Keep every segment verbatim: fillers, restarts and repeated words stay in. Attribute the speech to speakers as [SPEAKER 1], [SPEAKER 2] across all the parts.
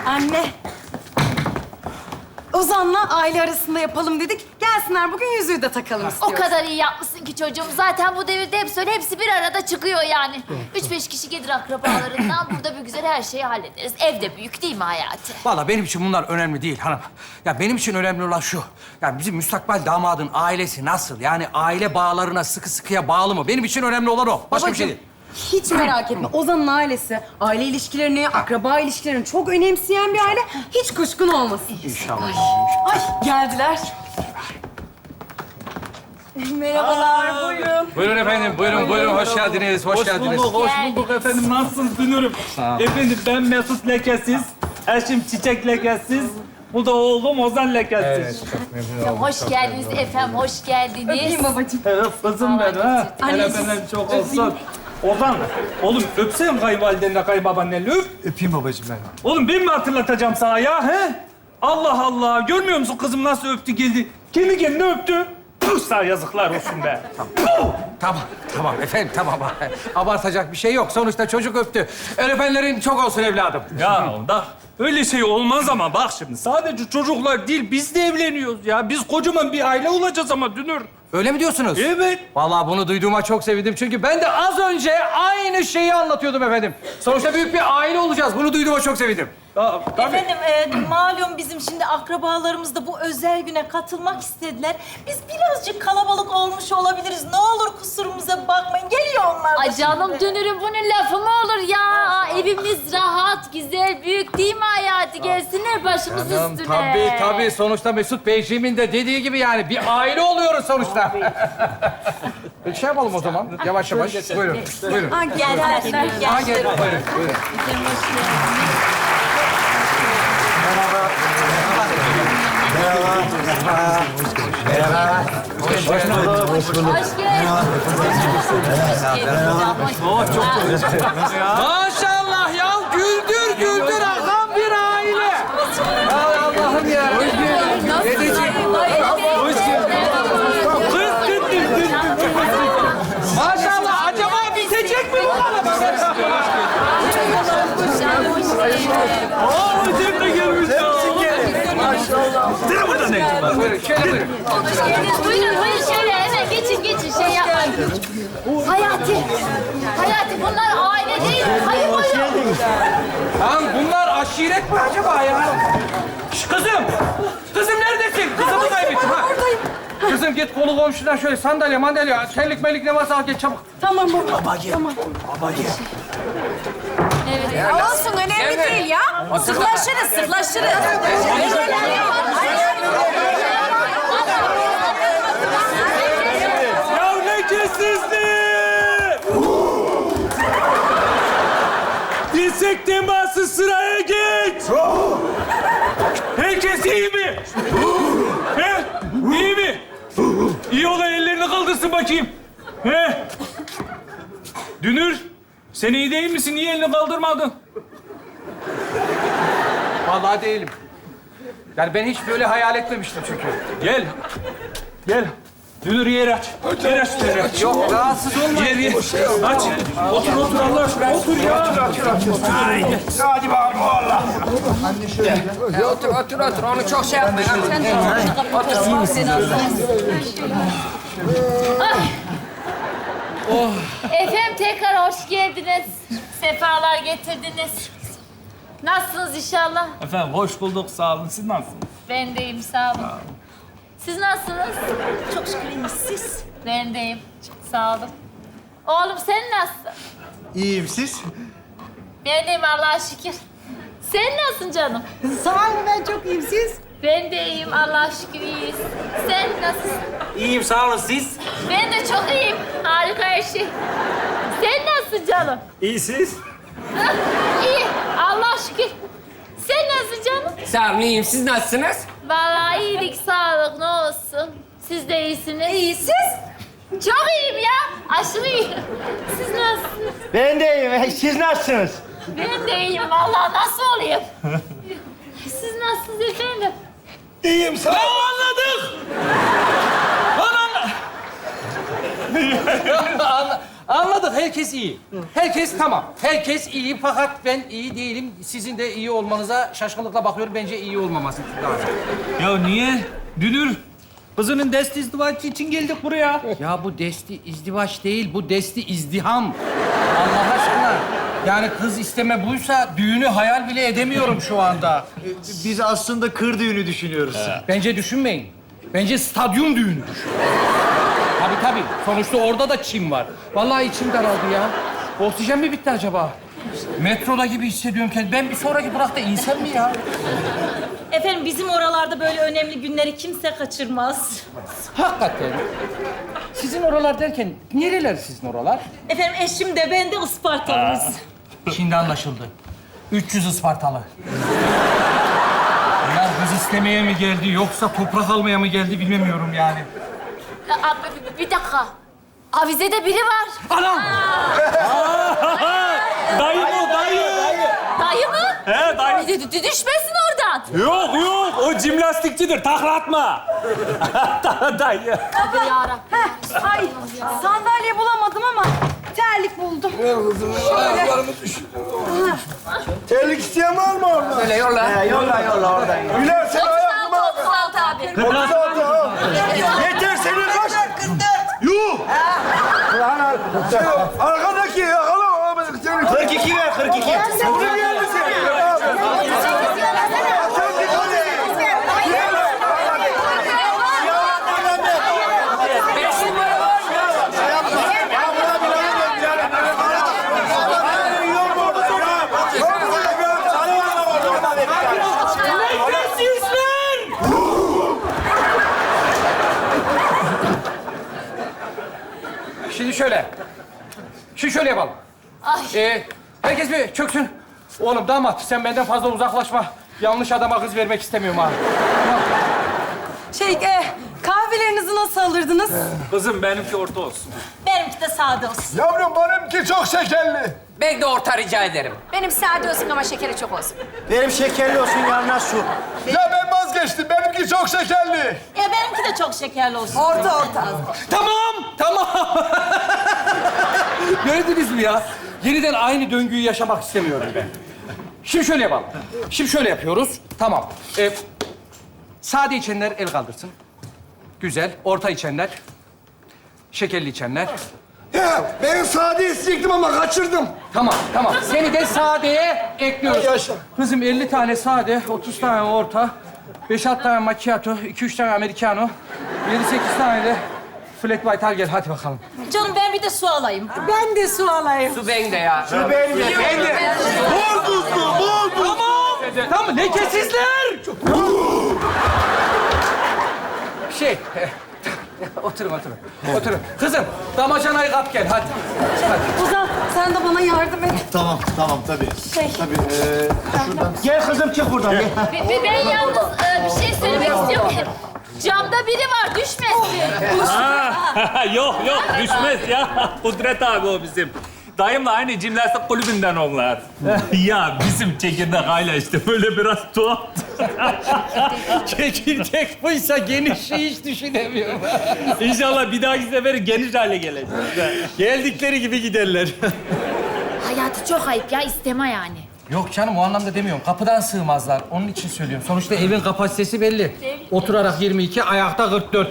[SPEAKER 1] Anne. Ozan'la aile arasında yapalım dedik. Gelsinler bugün yüzüğü de takalım
[SPEAKER 2] O
[SPEAKER 1] istiyoruz.
[SPEAKER 2] kadar iyi yapmışsın ki çocuğum. Zaten bu devirde hep söyle, hepsi bir arada çıkıyor yani. Üç beş kişi gelir akrabalarından. Burada bir güzel her şeyi hallederiz. Evde büyük değil mi Hayati?
[SPEAKER 3] Vallahi benim için bunlar önemli değil hanım. Ya benim için önemli olan şu. Ya bizim müstakbel damadın ailesi nasıl? Yani aile bağlarına sıkı sıkıya bağlı mı? Benim için önemli olan o. Başka bir şey değil.
[SPEAKER 1] Hiç merak etme. Ozan'ın ailesi aile ilişkilerini, akraba ilişkilerini çok önemseyen bir aile. Hiç kuşkun olmasın.
[SPEAKER 3] İnşallah.
[SPEAKER 1] Ay geldiler. Merhabalar, buyurun.
[SPEAKER 3] Buyurun efendim, buyurun, buyurun. Hoş geldiniz, hoş,
[SPEAKER 4] Hoş
[SPEAKER 3] geldiniz.
[SPEAKER 4] bulduk, hoş bulduk efendim. Nasılsınız Dünürüm? Efendim ben Mesut Lekesiz, eşim Çiçek Lekesiz, bu da oğlum Ozan Lekesiz.
[SPEAKER 2] Hoş geldiniz efendim, hoş geldiniz.
[SPEAKER 1] Öpeyim babacığım.
[SPEAKER 4] Evet, kızım benim ha.
[SPEAKER 1] Anneciğim.
[SPEAKER 4] Hele benden çok olsun. Ozan, oğlum öpsene kayınvalidenle kayınbabaannenle öp.
[SPEAKER 5] Öpeyim babacığım ben.
[SPEAKER 4] Oğlum ben mi hatırlatacağım sana ya he? Allah Allah, görmüyor musun kızım nasıl öptü geldi? Kendi kendine öptü. Puh, sana yazıklar olsun be.
[SPEAKER 3] Tamam, tamam efendim, tamam. Abartacak bir şey yok. Sonuçta çocuk öptü. Öğretmenlerin çok olsun evladım.
[SPEAKER 4] Ya da öyle şey olmaz ama bak şimdi sadece çocuklar değil biz de evleniyoruz ya. Biz kocaman bir aile olacağız ama Dünür.
[SPEAKER 3] Öyle mi diyorsunuz?
[SPEAKER 4] Evet.
[SPEAKER 3] Vallahi bunu duyduğuma çok sevindim. Çünkü ben de az önce aynı şeyi anlatıyordum efendim. Sonuçta büyük bir aile olacağız. Bunu duyduğuma çok sevindim.
[SPEAKER 4] Ya, tabii.
[SPEAKER 6] Efendim, e, malum bizim şimdi akrabalarımız da bu özel güne katılmak istediler. Biz birazcık kalabalık olmuş olabiliriz. Ne olur kusurumuza bakmayın. Geliyor onlar da
[SPEAKER 2] Ay canım
[SPEAKER 6] şimdi.
[SPEAKER 2] dönürüm bunun lafı mı olur ya? Evimiz rahat, güzel, büyük değil mi Hayati? Gelsinler başımız üstüne.
[SPEAKER 3] Tabii, tabii. Sonuçta Mesut Beyciğimin de dediği gibi yani bir aile oluyoruz sonuçta. Bir şey yapalım o zaman. Yavaş yavaş. Buyurun, buyurun.
[SPEAKER 1] Ha, geldiler.
[SPEAKER 3] Ha, gel. Buyurun, buyurun.
[SPEAKER 2] Hoş geldin. Hoş geldin.
[SPEAKER 4] Oh, çok güzel.
[SPEAKER 3] Maşallah ya. Güldür güldür akan bir aile. Ay Allah'ım ya. Hoş geldin. Dedeciğim.
[SPEAKER 4] Hoş geldin. Kız gittin, gittin.
[SPEAKER 3] Maşallah. Acaba bitecek mi bu araba?
[SPEAKER 4] Aa, hocam da gelmiş ya. Sen burada ne işin var?
[SPEAKER 3] Buyurun, şöyle buyurun.
[SPEAKER 2] Hoş geldiniz. Buyurun, buyurun şöyle hemen geçin, geçin. Şey yapmayın. Hayati, Hayati bunlar aile değil, hayır buyurun.
[SPEAKER 3] Lan bunlar aşiret mi acaba ya? Şş, kızım! Kızım neredesin? Kızımı kaybettim ha.
[SPEAKER 1] Buradayım.
[SPEAKER 3] Kızım git kolu komşudan şöyle sandalye, mandalye, terlik melik ne varsa al gel çabuk.
[SPEAKER 1] Tamam baba. Tamam.
[SPEAKER 2] Evet.
[SPEAKER 1] Olsun, önemli değil ya. Sırlaşırız, sırlaşırız.
[SPEAKER 4] Ya ne kesizdi? Dirsek teması sıraya geç. Herkes iyi mi? He? İyi mi? İyi olan ellerini kaldırsın bakayım. He? Dünür, sen iyi değil misin? Niye elini kaldırmadın?
[SPEAKER 3] Vallahi değilim. Yani ben hiç böyle hayal etmemiştim çünkü.
[SPEAKER 4] Gel. Gel. Dünür yer aç. Yer aç, yer aç.
[SPEAKER 3] Yok, rahatsız olma.
[SPEAKER 4] Yer, yer. Aç. Otur, otur Allah aşkına. Otur ya.
[SPEAKER 5] Hadi bakalım valla.
[SPEAKER 3] Otur, otur, otur. Onu çok şey yapma.
[SPEAKER 2] Efendim tekrar hoş geldiniz. Sefalar getirdiniz. Nasılsınız inşallah?
[SPEAKER 4] Efendim hoş bulduk. Sağ olun. Siz nasılsınız?
[SPEAKER 2] Ben de iyiyim, sağ olun. Siz nasılsınız?
[SPEAKER 6] Çok şükür iyiyiz. Siz?
[SPEAKER 2] Ben de iyiyim, sağ olun. Oğlum sen nasılsın?
[SPEAKER 5] İyiyim siz?
[SPEAKER 2] Ben de iyiyim Allah'a şükür. Sen nasılsın canım?
[SPEAKER 1] Sağ olun, ben çok iyiyim. Siz?
[SPEAKER 2] Ben de iyiyim, Allah'a şükür iyiyiz. Sen nasılsın?
[SPEAKER 4] İyiyim sağ olun. Siz?
[SPEAKER 2] Ben de çok iyiyim. Harika her şey. Sen nasılsın canım?
[SPEAKER 4] İyi siz?
[SPEAKER 2] İyi, Allah'a şükür. Sen nasılsın canım?
[SPEAKER 7] Sağ olun, iyiyim. Siz nasılsınız?
[SPEAKER 2] Vallahi iyilik, sağlık ne olsun. Siz de iyisiniz. İyi, siz? Çok iyiyim ya. Aşırı iyiyim. Siz nasılsınız?
[SPEAKER 5] Ben de iyiyim. Siz nasılsınız?
[SPEAKER 2] Ben de iyiyim. Vallahi nasıl olayım? Siz nasılsınız efendim?
[SPEAKER 5] İyiyim sağ ol.
[SPEAKER 4] Anladık. Lan anla...
[SPEAKER 3] Anla- Anladık, herkes iyi. Herkes tamam. Herkes iyi fakat ben iyi değilim. Sizin de iyi olmanıza şaşkınlıkla bakıyorum. Bence iyi olmaması lazım.
[SPEAKER 4] Ya niye? Dünür, kızının desti izdivacı için geldik buraya.
[SPEAKER 3] Ya bu desti izdivaç değil, bu desti izdiham. Allah aşkına. Yani kız isteme buysa düğünü hayal bile edemiyorum şu anda.
[SPEAKER 5] Biz aslında kır düğünü düşünüyoruz.
[SPEAKER 3] Bence düşünmeyin. Bence stadyum düğünü düşünün. Tabii tabii. Sonuçta orada da çim var. Vallahi içim daraldı ya. Oksijen mi bitti acaba? Metroda gibi hissediyorum kendimi. Ben bir sonraki durakta insem mi ya?
[SPEAKER 6] Efendim bizim oralarda böyle önemli günleri kimse kaçırmaz.
[SPEAKER 3] Hakikaten. Sizin oralar derken nereler sizin oralar?
[SPEAKER 6] Efendim eşim de ben de Ispartalıyız.
[SPEAKER 3] Şimdi anlaşıldı. üç yüz Ispartalı. Ya kız istemeye mi geldi yoksa toprak almaya mı geldi bilemiyorum yani.
[SPEAKER 2] Aa, bir, bir- bir dakika. Avizede biri var.
[SPEAKER 3] Anam!
[SPEAKER 4] Dayı bu, dayı.
[SPEAKER 2] Dayı mı?
[SPEAKER 4] He, dayı.
[SPEAKER 2] D- d- düşmesin oradan.
[SPEAKER 4] Yok, yok. O jimnastikçidir. Takla atma. Dayı.
[SPEAKER 2] Tövbe yarabbim.
[SPEAKER 1] Ay sandalye bulamadım ama terlik buldum.
[SPEAKER 5] Terlik isteyen var mı orada?
[SPEAKER 7] Öyle yolla.
[SPEAKER 5] He, yolla yolla oradan. Güler sen ayaklıma.
[SPEAKER 2] otuz altı abi.
[SPEAKER 5] otuz altı ha. Yeter senin kaç? kırk dört. Yuh! Lan al. Arkadaki yakala. kırk iki ver, kırk iki. Buraya geldi seni.
[SPEAKER 7] Beş numara var mı?
[SPEAKER 3] Şimdi şöyle. Şimdi şöyle yapalım.
[SPEAKER 2] Ay.
[SPEAKER 3] Ee, herkes bir çöksün. Oğlum damat sen benden fazla uzaklaşma. Yanlış adama kız vermek istemiyorum ha.
[SPEAKER 1] Şey, e, kahvelerinizi nasıl alırdınız?
[SPEAKER 4] Kızım benimki orta olsun.
[SPEAKER 6] Benimki de sade olsun.
[SPEAKER 5] Yavrum benimki çok şekerli.
[SPEAKER 7] Ben de orta rica ederim.
[SPEAKER 8] Benim sade olsun ama şekeri çok olsun.
[SPEAKER 5] Benim şekerli olsun yanına su. Ya ben vazgeçtim. Benimki çok şekerli.
[SPEAKER 6] Ya benimki de çok şekerli olsun.
[SPEAKER 1] Orta orta.
[SPEAKER 3] Tamam, tamam. Gördünüz mü ya? Yeniden aynı döngüyü yaşamak istemiyorum ben. Şimdi şöyle yapalım. Şimdi şöyle yapıyoruz. Tamam. Ee, sade içenler el kaldırsın. Güzel. Orta içenler. Şekerli içenler.
[SPEAKER 5] Ya ben sade isteyecektim ama kaçırdım.
[SPEAKER 3] Tamam, tamam. Seni de sadeye ekliyoruz.
[SPEAKER 5] Yaşa.
[SPEAKER 3] Kızım elli tane sade, otuz tane orta, beş altı tane macchiato, iki üç tane americano, yedi sekiz tane de flat white al gel. Hadi bakalım.
[SPEAKER 6] Canım ben bir de su alayım.
[SPEAKER 1] Ben de su alayım.
[SPEAKER 7] Su bende ya.
[SPEAKER 5] Ben de. Ben de. Bol tuzlu, bol tuzlu.
[SPEAKER 3] Tamam, tamam. Lekesizler. şey, oturun, oturun. Oturun. Kızım, damacanayı kap gel. Hadi. Hadi.
[SPEAKER 1] Ozan sen de bana yardım et.
[SPEAKER 5] Tamam, tamam tabii.
[SPEAKER 1] Şey.
[SPEAKER 5] Tabii. Ee, şuradan. Gel kızım çık buradan. Gel.
[SPEAKER 2] Be- be- ben yalnız e, bir şey söylemek istiyorum. Camda biri var, düşmesin.
[SPEAKER 4] Ha, yok yok düşmez ya. Kudret abi o bizim. Dayımla aynı jimnastik kulübünden onlar. Ya bizim çekirdek hala işte böyle biraz tuhaf.
[SPEAKER 3] Çekirdek buysa genişliği hiç düşünemiyorum.
[SPEAKER 4] İnşallah bir dahaki sefer geniş hale gelecek.
[SPEAKER 3] Geldikleri gibi giderler.
[SPEAKER 2] Hayatı çok ayıp ya, isteme yani.
[SPEAKER 3] Yok canım, o anlamda demiyorum. Kapıdan sığmazlar. Onun için söylüyorum. Sonuçta evin kapasitesi belli. Oturarak yirmi iki, ayakta kırk dört.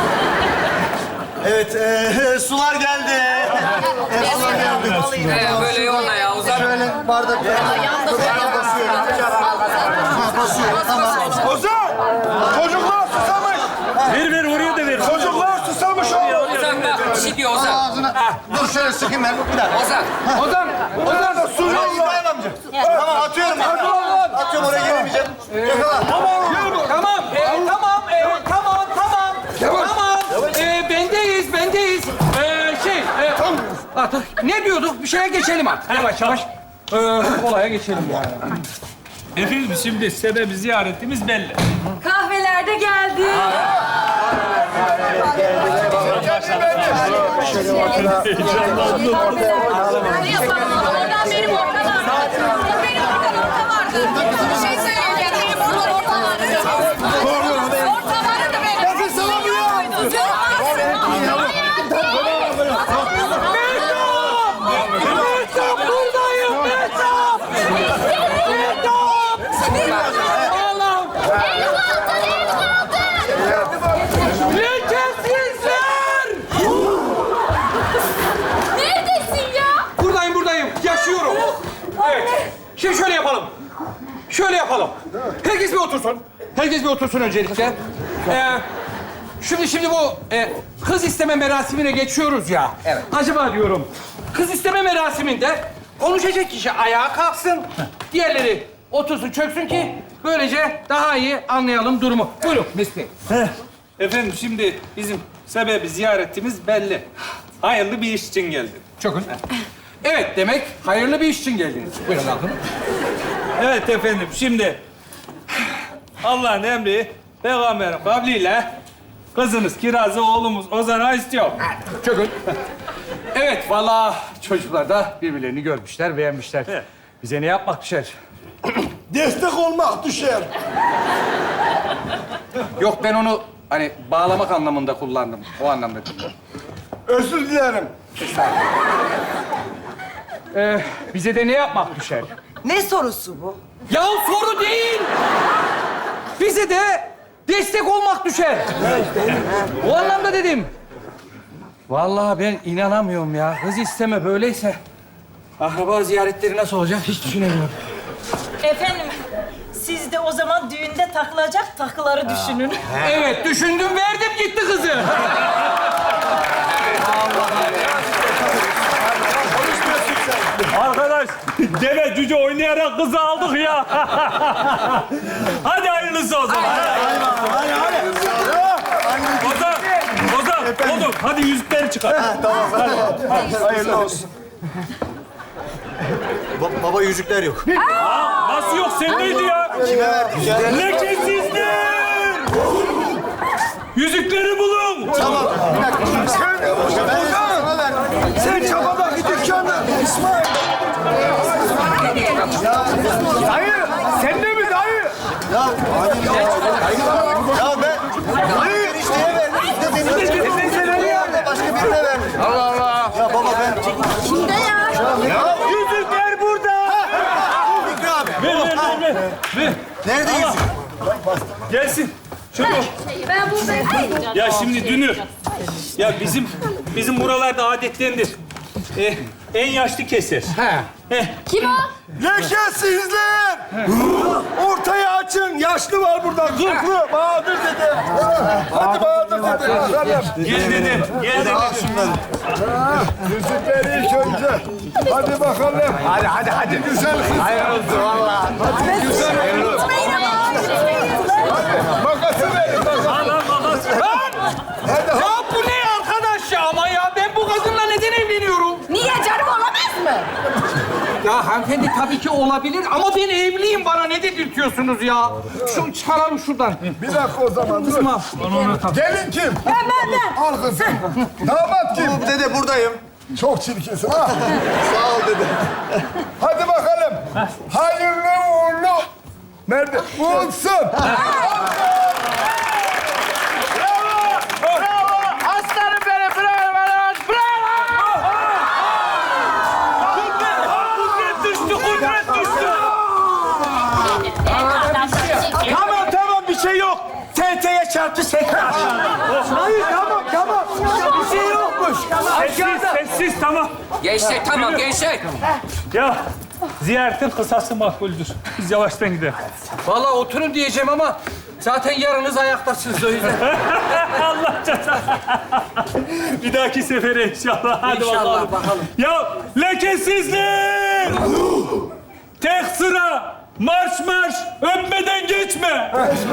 [SPEAKER 5] Evet, ee, sular geldi. Evet, sular geldi.
[SPEAKER 7] Ee, böyle yolla ya. Uzan.
[SPEAKER 5] Şöyle bardak. Basıyor, tamam. Ozan! Çocuklar susamış.
[SPEAKER 4] Ver ver oraya da ver.
[SPEAKER 5] Çocuklar susamış oğlum.
[SPEAKER 7] Ozan bak. Bir şey diyor Ozan.
[SPEAKER 5] Ağzına. Dur şöyle sıkayım ben. Bir dakika.
[SPEAKER 7] Ozan.
[SPEAKER 3] Ozan,
[SPEAKER 5] Ozan da su yolla. İbrahim amca. Tamam atıyorum. Atıyorum oraya gelemeyeceğim. Yakala.
[SPEAKER 3] Tamam, tamam, ee, tamam, ee, tamam, tamam, tamam. Ee, bendeyiz, bendeyiz. Ee, şey, ee, artık ne diyorduk? Bir şeye geçelim artık. Yavaş yavaş. Ee, olaya geçelim yani.
[SPEAKER 4] Efendim şimdi sebebi ziyaretimiz belli.
[SPEAKER 1] Kahveler de geldi.
[SPEAKER 8] Ne yapalım? Oradan benim orta var. Benim oradan orta vardı. Bir şey söyleyeceğim. Benim oradan orta vardı. Orta vardı benim.
[SPEAKER 5] Nefes alamıyorum.
[SPEAKER 8] Hayır.
[SPEAKER 3] şöyle yapalım. Herkes bir otursun. Herkes bir otursun öncelikle. Ee, şimdi şimdi bu e, kız isteme merasimine geçiyoruz ya.
[SPEAKER 7] Evet.
[SPEAKER 3] Acaba diyorum, kız isteme merasiminde konuşacak kişi ayağa kalksın, diğerleri otursun, çöksün ki böylece daha iyi anlayalım durumu. Buyurun Mesut Bey.
[SPEAKER 4] Efendim şimdi bizim sebebi ziyaretimiz belli. Hayırlı bir iş için geldim.
[SPEAKER 3] Çökün. Evet, demek hayırlı bir iş için geldiniz. Buyurun kalkın.
[SPEAKER 4] Evet efendim şimdi Allah'ın emri peygamberin kavliyle kızınız Kiraz'ı oğlumuz Ozan'a istiyor.
[SPEAKER 3] Çökün. Evet, vallahi çocuklar da birbirlerini görmüşler, beğenmişler.
[SPEAKER 4] Evet.
[SPEAKER 3] Bize ne yapmak düşer?
[SPEAKER 5] Destek olmak düşer.
[SPEAKER 3] Yok, ben onu hani bağlamak anlamında kullandım. O anlamda değil.
[SPEAKER 5] Özür dilerim.
[SPEAKER 3] Ee, bize de ne yapmak düşer?
[SPEAKER 9] Ne sorusu bu?
[SPEAKER 3] Ya soru değil! Bize de destek olmak düşer. O anlamda dedim. Vallahi ben inanamıyorum ya. Kız isteme böyleyse. Akraba ziyaretleri nasıl olacak hiç düşünemiyorum.
[SPEAKER 6] Efendim, siz de o zaman düğünde takılacak takıları düşünün.
[SPEAKER 3] Evet, düşündüm, verdim gitti kızı.
[SPEAKER 4] Arkadaş deve cüce oynayarak kızı aldık ya. Hadi hayırlısı o zaman.
[SPEAKER 5] Hadi hadi.
[SPEAKER 4] Ozan, Ozan, oğlum hadi yüzükleri çıkar.
[SPEAKER 5] Tamam hadi. Hayırlı olsun. Ba- baba yüzükler yok.
[SPEAKER 4] Aa, nasıl yok sendeydi ya?
[SPEAKER 5] Kime verdik ya?
[SPEAKER 4] Lekesizler! Yüzükleri bulun.
[SPEAKER 5] Tamam. Bir dakika. Sen de boşa. Ben sana ver. Sen çabadaki dükkanı. İsmail. Dayı. Sen de mi dayı? Ya hadi ya. Ya ben. Dayı. Enişteye verdim. İşte benim. Sen nereye verdin? Başka birine verdim. Allah Allah. Ya baba ben. Kimde ya? Ya yüzükler burada. Fikri abi.
[SPEAKER 4] Ver, ver, ver, ver. ver.
[SPEAKER 5] Nerede yüzük?
[SPEAKER 4] Gelsin. Çabuk.
[SPEAKER 2] Ben buradayım.
[SPEAKER 4] Ya şimdi Dünür. Ya bizim bizim buralarda adettendir. Eh, en yaşlı keser. Eh,
[SPEAKER 2] Kim o?
[SPEAKER 5] Lekesizler! Ortayı açın. Yaşlı var burada. Kırklı. Bahadır dede. Hadi Bahadır dede.
[SPEAKER 4] gel dedim. Gel dedim.
[SPEAKER 5] Yüzükleri ilk önce. Hadi bakalım. Hadi hadi hadi. Güzel kız. Hayır olsun valla. Hadi güzel. Hayır olsun. Hadi makası verin. Makası.
[SPEAKER 4] Al al makas.
[SPEAKER 5] Hadi
[SPEAKER 3] Ya bu ne arkadaş ya? Ama ya ben bu kadınla neden evleniyorum?
[SPEAKER 9] Niye canım olamaz mı?
[SPEAKER 3] Ya hanımefendi tabii ki olabilir ama ben evliyim. Bana ne dedirtiyorsunuz ya? Şu çıkaralım şuradan.
[SPEAKER 5] Bir dakika o zaman. Dur. Gelin kim? Ben ben ben. Al kızım. Damat kim? Dede buradayım. Çok çirkinsin ha. Sağ ol dede. Hadi bakalım. Hayırlı uğurlu. Nerede? Olsun.
[SPEAKER 3] Aslanım benim, bravo, bravo, bravo!
[SPEAKER 4] Kudret düştü, kudret düştü.
[SPEAKER 5] Tamam tamam bir şey yok. T T'ye çarptı sekrar. Hayır tamam tamam. Bir şey yokmuş.
[SPEAKER 4] Sessiz, sessiz tamam.
[SPEAKER 7] Gençler tamam gençler.
[SPEAKER 4] Ya ziyaretin kısası makbuldür. Biz yavaştan gidelim.
[SPEAKER 3] Vallahi oturun diyeceğim ama zaten yarınız ayaktasınız o yüzden.
[SPEAKER 4] Allah cezanı. Bir dahaki sefere inşallah. Hadi
[SPEAKER 3] İnşallah,
[SPEAKER 4] bakalım.
[SPEAKER 3] bakalım.
[SPEAKER 4] Ya lekesizlik! Tek sıra marş marş öpmeden geçme.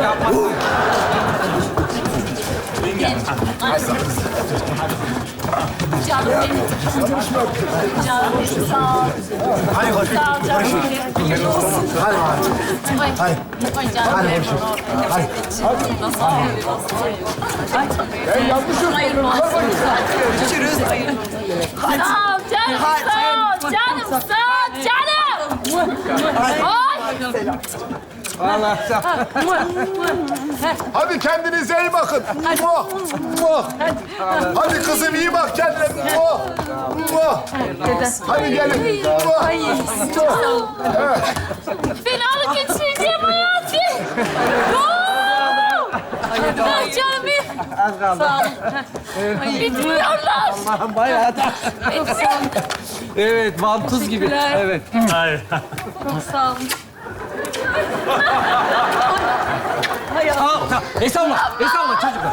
[SPEAKER 2] Canım benim. Canım benim. Sağ ol.
[SPEAKER 5] Hadi hadi.
[SPEAKER 2] Sağ ol canım benim.
[SPEAKER 5] Hadi.
[SPEAKER 2] Ay,
[SPEAKER 5] Hadi.
[SPEAKER 2] ay canım benim.
[SPEAKER 5] Hadi.
[SPEAKER 2] Nasıl ağlıyor, nasıl ağlıyor. Ay,
[SPEAKER 5] Ben yanlış
[SPEAKER 2] hayır,
[SPEAKER 5] yapıyorum.
[SPEAKER 2] Görüşürüz. Sağ ol canım, sağ ol canım, sağ ol canım. Ay.
[SPEAKER 3] Vallahi
[SPEAKER 5] Hadi kendinize iyi bakın. Muah, muah. Hadi kızım iyi bak kendine. Muah, muah. Hadi gelin. Muah. Evet.
[SPEAKER 2] Fenalık geçireceğim hayatım. Oo! Ay canım benim.
[SPEAKER 3] az kaldı.
[SPEAKER 2] Sağ ol. Bitmiyorlar.
[SPEAKER 3] Allah'ım bayağı da. Evet, vantuz gibi. Evet.
[SPEAKER 4] Hayır.
[SPEAKER 2] Sağ olun.
[SPEAKER 3] Estağfurullah, estağfurullah çocuklar.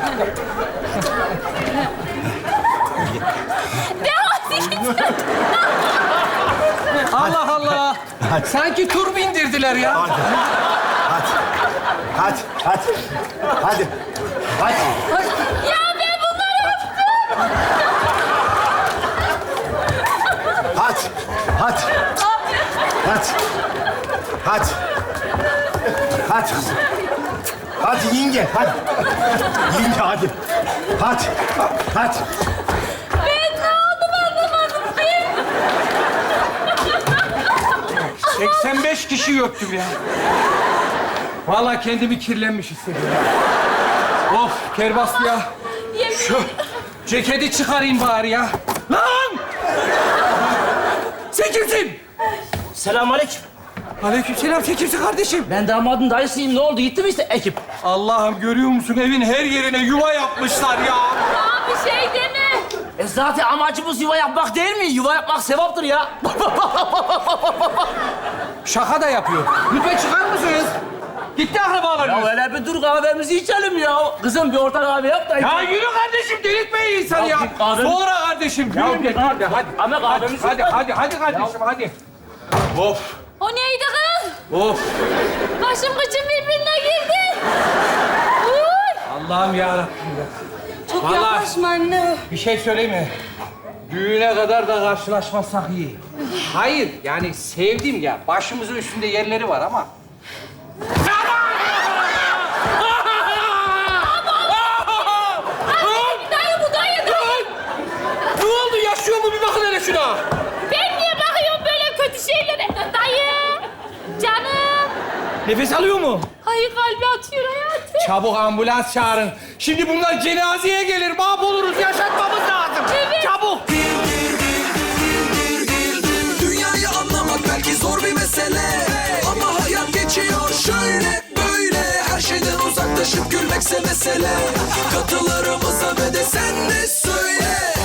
[SPEAKER 3] Allah Allah. Sanki tur bindirdiler ya.
[SPEAKER 5] Hadi. Hadi. Hadi. Hadi. Hadi.
[SPEAKER 2] Ya ben bunları
[SPEAKER 5] Hadi. Hadi. Hadi. Hadi. Hadi kızım. Hadi yenge, hadi. Yenge hadi. Hadi. Hadi.
[SPEAKER 2] ben ne oldum anlamadım ki.
[SPEAKER 3] seksen beş kişi öptüm ya. Vallahi kendimi kirlenmiş hissediyorum. Of Kerbaslı ya.
[SPEAKER 2] Yemin
[SPEAKER 3] Şu ceketi çıkarayım bari ya. Lan! Sen kimsin?
[SPEAKER 10] Selamünaleyküm.
[SPEAKER 3] Aleykümselam, sen kimsin kardeşim?
[SPEAKER 10] Ben damadın dayısıyım. Ne oldu? Gitti mi işte ekip?
[SPEAKER 3] Allah'ım görüyor musun? Evin her yerine yuva yapmışlar ya.
[SPEAKER 2] Abi şey deme.
[SPEAKER 10] E zaten amacımız yuva yapmak değil mi? Yuva yapmak sevaptır ya.
[SPEAKER 3] Şaka da yapıyor. Lütfen çıkar mısınız? Gitti akrabalarınız.
[SPEAKER 10] Ya öyle bir dur kahvemizi içelim ya. Kızım bir orta kahve yap da.
[SPEAKER 3] Ya yürü kardeşim, delirtmeyin insanı ya.
[SPEAKER 10] Ya bir kahve-
[SPEAKER 3] Sonra kardeşim,
[SPEAKER 10] Ya
[SPEAKER 3] yürü
[SPEAKER 10] bir
[SPEAKER 3] git.
[SPEAKER 10] kahve-
[SPEAKER 3] Hadi, hadi,
[SPEAKER 10] Ama
[SPEAKER 3] hadi,
[SPEAKER 10] kahvemizi-
[SPEAKER 3] hadi, hadi, hadi kardeşim, hadi. Of,
[SPEAKER 2] O neydi kız?
[SPEAKER 3] of.
[SPEAKER 2] Başım kıçım birbirine girdi. Uy.
[SPEAKER 3] Allah'ım yarabbim ya.
[SPEAKER 1] Çok
[SPEAKER 3] Vallahi-
[SPEAKER 1] yaklaşma anne.
[SPEAKER 3] Bir şey söyleyeyim mi? Düğüne kadar da karşılaşmasak iyi. Hayır, yani sevdim ya. Başımızın üstünde yerleri var ama...
[SPEAKER 2] Dayı bu dayı dayı.
[SPEAKER 3] Ne oldu? Yaşıyor mu? Bir bakın hele şuna.
[SPEAKER 2] Ben niye bakıyorum böyle kötü şeylere? Dayı. Canım.
[SPEAKER 3] Nefes alıyor mu?
[SPEAKER 2] Hayır kalbi atıyor hayatım.
[SPEAKER 3] Çabuk ambulans çağırın. Şimdi bunlar cenazeye gelir. Mahvoluruz. Yaşatmamız lazım.
[SPEAKER 2] Evet.
[SPEAKER 3] Çabuk.
[SPEAKER 11] Dünyayı anlamak belki zor bir mesele, ama hayat geçiyor şöyle böyle. Her şeyden uzaklaşıp gülmekse mesele. Katılarımıza ve de sen de söyle.